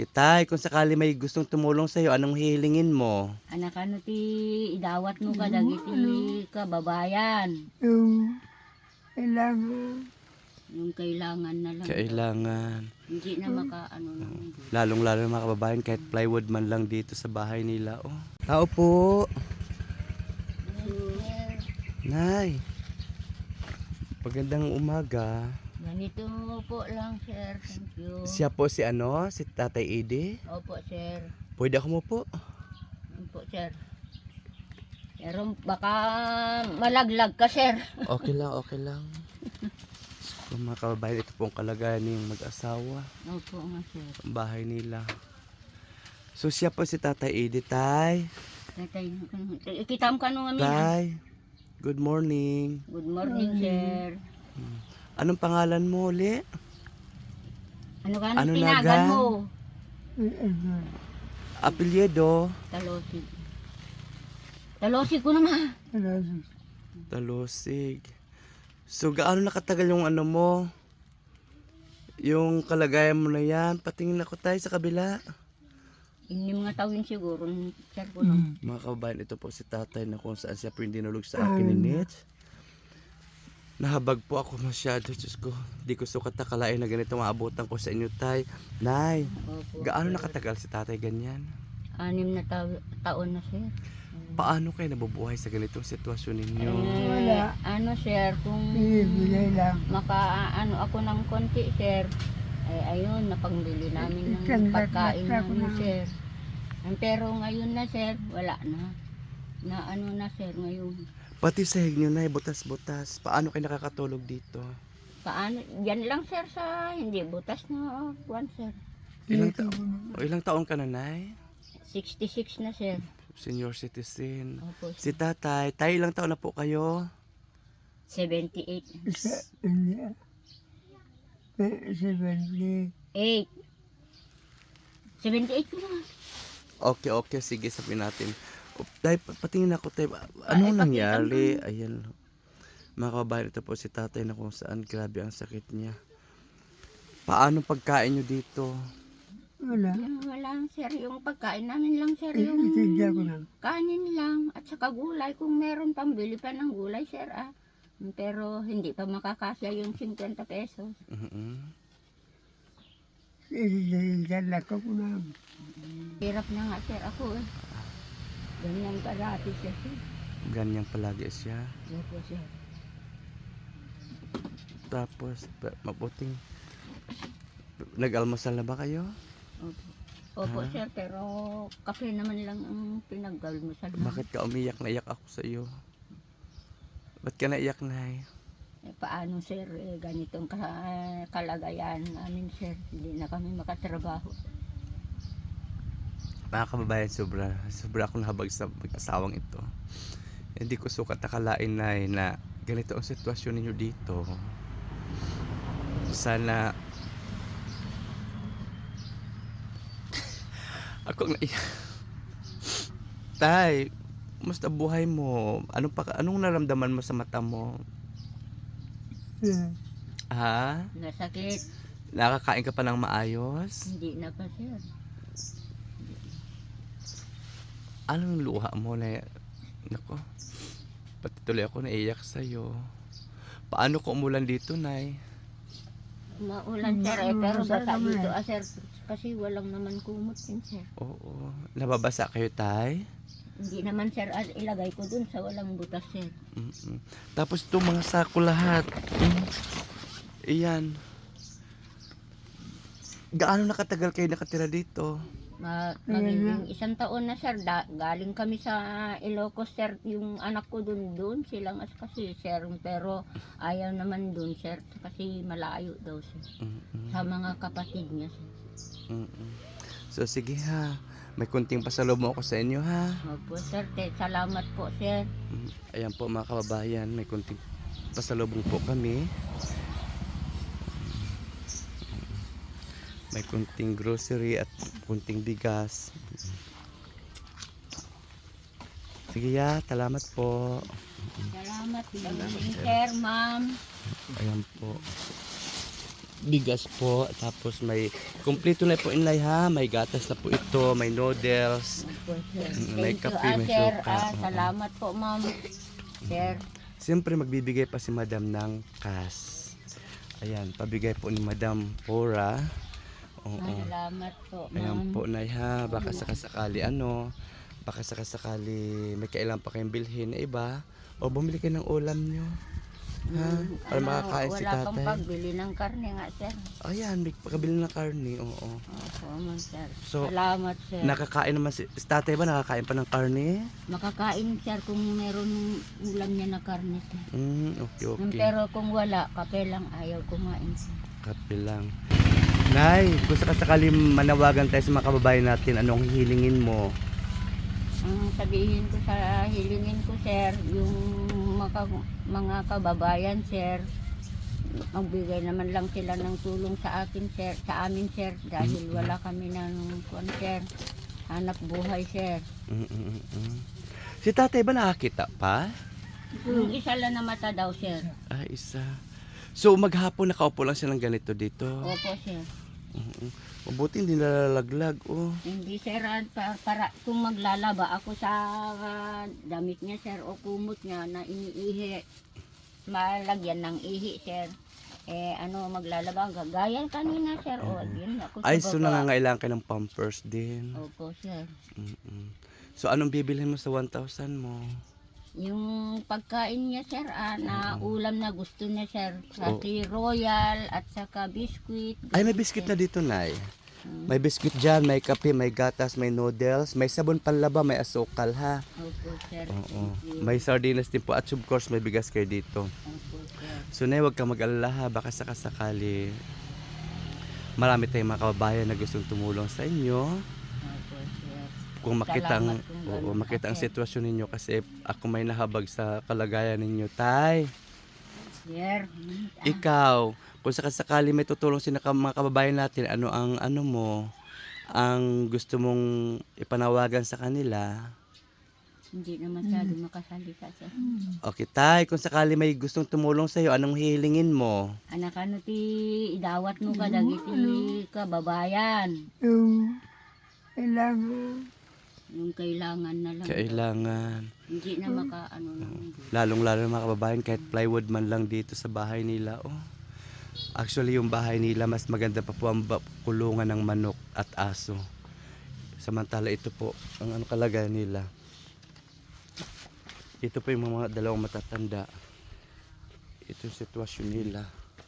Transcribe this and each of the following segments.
Tay, kung sakali may gustong tumulong sa'yo, anong hihilingin mo? Anak ano ti idawat mo ka dagiti kababayan. Yung kailangan, Yung kailangan na lang. Kailangan. Hindi na makaano lang. Lalong-lalo na mga kababayan, kahit plywood man lang dito sa bahay nila. Oh. Tao po. Nay. Magandang umaga. Ganito po lang, sir. Thank you. Siya po si ano? Si Tatay Edi? Opo, sir. Pwede ako mo po? Opo, sir. Pero baka malaglag ka, sir. Okay lang, okay lang. So, mga kababayan, ito pong kalagayan ng mag-asawa. Opo nga, sir. Ang bahay nila. So siya po si Tatay Edi, Tay. Tatay, ikitam ka nung amin. Tay, good morning. Good morning, sir. Anong pangalan mo uli? Ano ka Ano tinagan naga? mo? Apelyido? Talosig. Talosig ko naman. Talosig. So gaano nakatagal yung ano mo? Yung kalagayan mo na yan? Patingin ako tayo sa kabila. Hindi mga tawin siguro, sir ko nung. Mga kababayan, ito po si tatay na kung saan siya po yung dinulog sa akin ni Nitch. Nahabag po ako masyado, Diyos ko. Di ko sukat nakalain na ganito maabutan ko sa inyo, tay. Nay, Opo. gaano nakatagal si tatay ganyan? 6 na taon na, sir. Paano kayo nabubuhay sa ganitong sitwasyon ninyo? Wala. Ano, sir, kung bibigay lang. makaano ako ng konti, sir, ay ayun, napangbili namin ng Isang pagkain lahat ako namin, na. sir. Pero ngayon na, sir, wala na. Na ano na, sir, ngayon. Pati sahig nyo na, butas-butas. Paano kayo nakakatulog dito? Paano? Yan lang, sir, sa hindi butas na buwan, sir. Ilang taon ka na, Nay? 66 na, sir. Senior citizen. Opo, Si sir. tatay, tayo ilang taon na po kayo? 78. Hindi. 70. 8. 78 ko naman. Okay, sige, sabihin natin. Tay, patingin ako, tay. Anong Ay, nangyari? Ayan. Mga kababayan, ito po si tatay na kung saan grabe ang sakit niya. Paano pagkain nyo dito? Wala. Wala, sir. Yung pagkain namin lang, sir. Yung Itinda ko lang. kanin lang. At saka gulay. Kung meron pambili pa ng gulay, sir, ah. Pero hindi pa makakasya yung 50 pesos. Itinda ko na. Hirap na nga, sir, ako eh. Ganyan parati siya, sir. Ganyan palagi siya. Opo, sir. Tapos, mabuting. Nag-almusal na ba kayo? Opo. Opo, sir, pero kape naman lang ang pinaggalmusal na. Bakit ka umiyak? Naiyak ako sa iyo. Ba't ka naiyak, Nay? Paano, sir, ganitong kalagayan namin, sir. Hindi na kami makatrabaho. Mga kababayan, sobra akong nahabag sa mag-asawang ito. Hindi ko sukat nakalain, Nay, na ganito ang sitwasyon ninyo dito. Sana ako naiyak. Tay, kumusta buhay mo? Anong naramdaman mo sa mata mo? Ha? Nasakit. Nakakain ka pa ng maayos? Hindi na pa, sir. Anong luha mo na, nako, pati tuloy ako naiyak sa'yo. Paano ko umulan dito, Nay? Maulan, sir, pero basa dito, sir. Kasi walang naman kumot din, sir. Oo. Nababasa kayo, Tay? Hindi naman, sir, ilagay ko dun sa walang butas, sir. Tapos itong mga sako lahat. Iyan. Gaano nakatagal kayo nakatira dito? Magiging 1 taon na, sir. Galing kami sa Ilocos, sir. Yung anak ko dun silang kasi, sir. Pero ayaw naman dun, sir. Kasi malayo daw, sir. Sa mga kapatid niya, sir. So sige ha. May kunting pasalubong ako sa inyo ha. Opo, sir. Salamat po, sir. Ayan po mga kababayan. May kunting pasalubong po kami. May kunting grocery at kunting bigas. Sige ya, salamat po. Salamat, sir, ma'am. Ayan po. bigas po. Tapos may kumpleto na po inlay ha. May gatas na po ito, may noodles. Opo, sir. May Thank you, kape, may sir. suka. Oo. Salamat po, ma'am. Sir. Siyempre magbibigay pa si Madam ng cash. Ayan, pabigay po ni Madam Pora. Oo. Salamat po, Ayan ma'am. po, Nay ha. Baka sakasakali baka sakasakali may kailangan pa kayong bilhin na iba. O bumili kayo ng ulam nyo. Ha? Para makakain si Wala pang tatay. pagbili ng karne nga, sir. Ayan, may pagkabili ng karne. Oo. Opo, ma'am, sir. So, Salamat, sir. Nakakain naman si tatay ba? Nakakain pa ng karne? Makakain, sir, kung meron ulam niya na karne, sir. Okay. Pero kung wala, kape lang ayaw kumain, sir. Kape lang. Nay, kung sakasakali manawagan tayo sa mga kababayan natin, anong hihilingin mo? Ang sabihin ko sa hilingin ko, sir, yung mga kababayan, sir, magbigay naman lang sila ng tulong sa akin, sir, sa amin, sir, dahil wala kami ng sir, hanap buhay, sir. Si tatay ba nakakita pa? Yung isa lang na mata daw, sir. Ah, isa. So maghapon nakaupo lang siya ng ganito dito. Opo, sir. Mabuti hindi nalalaglag. Oh. Hindi, sir, para kung maglalaba ako sa damit niya, sir, o kumot niya na iniihi, malagyan ng ihi, sir. Maglalaba, gaya kanina, sir, o yun ako sa Ay, so baba. nangangailangan ka ng pampers din. Opo, sir. So anong bibilhin mo sa 1,000 mo? Yung pagkain niya, sir, na ulam na gusto niya, sir, kasi royal at saka biskuit. Ay, may biscuit na dito, Nay. May biscuit dyan, may kape, may gatas, may noodles, may sabon panlaba, may asukal ha. Opo, sir. Oo. Thank you. May sardinas din po at of course may bigas kayo dito. Opo, sir. So Nay, huwag kang mag-alala ha, baka sakasakali marami tayong mga kababayan na gustong tumulong sa inyo. Opo, sir. Kung makita ang, Salamat kung ganun, makita ang sir. sitwasyon ninyo kasi ako may nahabag sa kalagayan ninyo, Tay. Sir, Ikaw, kung sakasakali may tutulong sila mga kababayan natin, ano mo, ang gusto mong ipanawagan sa kanila? hindi na masyado makasalita, sir. Okay, Tay, kung sakali may gustong tumulong sa iyo, anong hihilingin mo? Anak, ti idawat mo ka dagiti kababayan. Yung kailangan. Yung kailangan na lang. Kailangan, Hindi na lang. lalong-lalo ng mga kababayan, kahit plywood man lang dito sa bahay nila. Oh. Actually, yung bahay nila, mas maganda pa po ang kulungan ng manok at aso. Samantala, ito po, ang kalagayan nila. Ito po yung mga dalawang matatanda. Ito yung sitwasyon nila.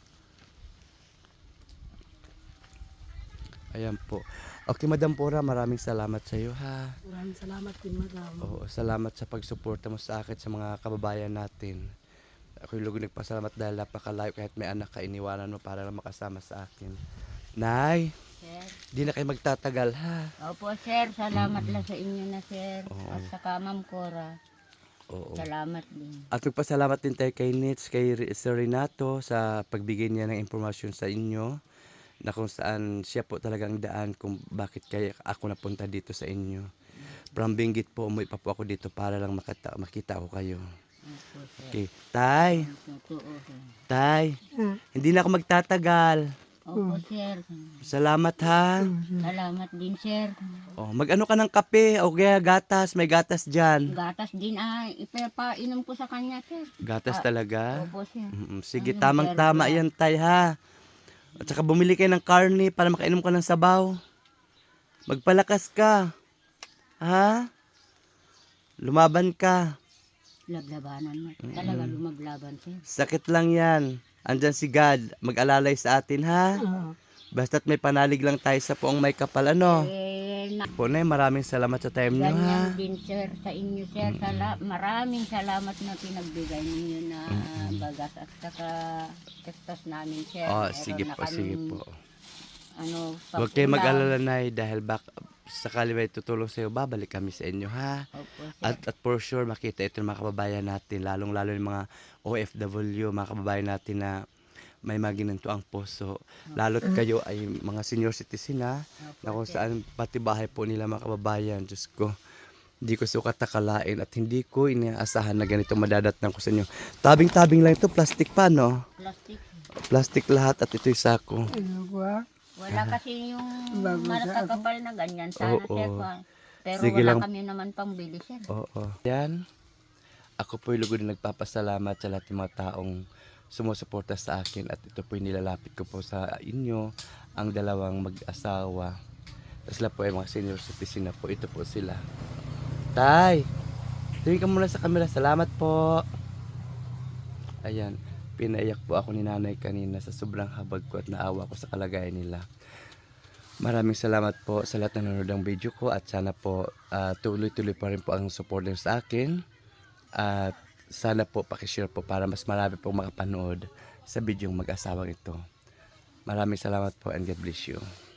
Ayan po. Okay, Madam Pora, maraming salamat sa iyo ha. Maraming salamat din, madam. Oo, salamat sa pagsuporta mo sa akin sa mga kababayan natin. Ako'y lugod nagpasalamat dahil napakalayo kahit may anak ka, iniwanan mo para lang makasama sa akin. Nay, Sir. di na kayo magtatagal ha. Opo, sir. Salamat lang sa inyo na, sir. Oo. At saka, Ma'am Cora. Oo. Salamat din. At magpasalamat din tayo kay Nitz, kay Sir Renato sa pagbigay niya ng impormasyon sa inyo na kung saan siya po talagang daan kung bakit kaya ako napunta dito sa inyo. From Benguet po, umuwi pa po ako dito para lang makita ko kayo. Opo, sir. Okay. Tay, Totoo, sir. Tay, Ah, hindi na ako magtatagal. Opo, sir. Salamat ha. Salamat din, sir. Oh, mag-ano ka ng kape o kaya gatas, may gatas diyan. Gatas din, ipapainom ko sa kanya, sir. Gatas talaga. Opo, sir. Sige, Ano, tamang-tama sir? yan, Tay ha. At saka bumili kayo ng karne para makainom ka ng sabaw. Magpalakas ka. Ha? Lumaban ka. Lablabanan mo. Talaga lumaglaban, sir. Sakit lang yan. Andyan si God. Mag-alalay sa atin ha. Basta't may panalig lang tayo sa poong may kapal ano. Punay, maraming salamat sa time nyo ha. Ganyan din, sir, sa inyo, sir. Maraming salamat na pinagbigay ninyo na bagas at saka testos namin, sir. Oh, Meron sige na po, sige kaming, po. Pag-ulam. Huwag kayo mag-alala na dahil sakali may tutulong sa iyo, babalik kami sa inyo ha. Opo, sir. At for sure makita ito ng mga kababayan natin, lalong-lalo yung mga OFW, mga kababayan natin na may maginanto ang puso. Lalo't kayo ay mga senior citizen ha, na kung saan pati bahay po nila mga kababayan. Diyos ko, hindi ko sukat nakalain at hindi ko inaasahan na ganito madadatnan ko sa inyo. Tabing-tabing lang ito, plastic pa no? Plastic. Plastic lahat at ito'y sako. Ano ba? Wala kasi yung Bago sa malakakapal na ganyan. Sana Oo. sir pa. Pero Sige wala lang. kami naman pang bili sir. Oo. Yan. Ako po'y lugod na nagpapasalamat sa lahat ng mga taong sumusuporta sa akin at ito po'y nilalapit ko po sa inyo, ang dalawang mag-asawa. Sila po ay mga senior citizen na po. Ito po sila. Tay! Tingin ka muna sa camera. Salamat po. Ayan. Pinaiyak po ako ni nanay kanina sa sobrang habag ko at naawa ko sa kalagayan nila. Maraming salamat po sa lahat na nanonood ng video ko at sana po tuloy-tuloy pa rin po ang support niyo sa akin. At sana po pakishare po para mas marami pong makapanood sa bidyong mag-asawang ito. Maraming salamat po and God bless you.